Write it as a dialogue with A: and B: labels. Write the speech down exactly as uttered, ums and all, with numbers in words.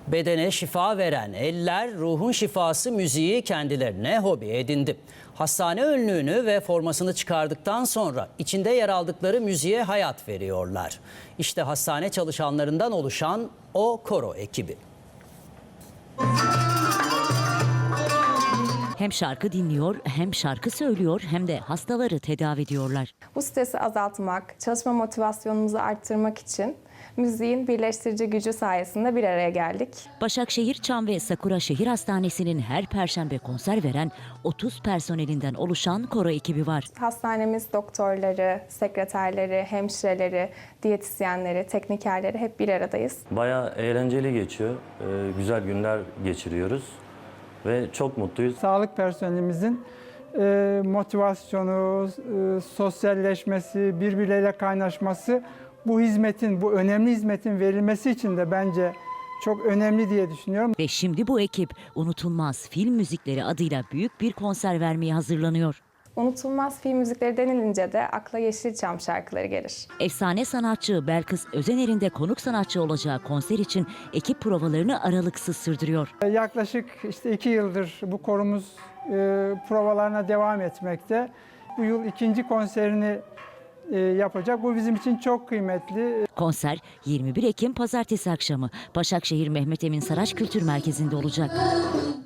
A: Bedene şifa veren eller, ruhun şifası müziği kendilerine hobi edindi. Hastane önlüğünü ve formasını çıkardıktan sonra içinde yer aldıkları müziğe hayat veriyorlar. İşte hastane çalışanlarından oluşan o koro ekibi.
B: Hem şarkı dinliyor, hem şarkı söylüyor, hem de hastaları tedavi ediyorlar.
C: Bu stresi azaltmak, çalışma motivasyonumuzu arttırmak için müziğin birleştirici gücü sayesinde bir araya geldik.
B: Başakşehir Çam ve Sakura Şehir Hastanesi'nin her perşembe konser veren otuz personelinden oluşan koro ekibi var.
C: Hastanemiz doktorları, sekreterleri, hemşireleri, diyetisyenleri, teknikerleri hep bir aradayız.
D: Bayağı eğlenceli geçiyor. Ee, güzel günler geçiriyoruz ve çok mutluyuz.
E: Sağlık personelimizin e, motivasyonu, e, sosyalleşmesi, birbirleriyle kaynaşması bu hizmetin, bu önemli hizmetin verilmesi için de bence çok önemli diye düşünüyorum.
B: Ve şimdi bu ekip unutulmaz film müzikleri adıyla büyük bir konser vermeye hazırlanıyor.
C: Unutulmaz film müzikleri denilince de akla Yeşilçam şarkıları gelir.
B: Efsane sanatçı Belkıs Özener'in de konuk sanatçı olacağı konser için ekip provalarını aralıksız sürdürüyor.
E: Yaklaşık işte iki yıldır bu korumuz e, provalarına devam etmekte. Bu yıl ikinci konserini e, yapacak. Bu bizim için çok kıymetli.
B: Konser yirmi bir Ekim Pazartesi akşamı Başakşehir Mehmet Emin Saraç Kültür Merkezi'nde olacak.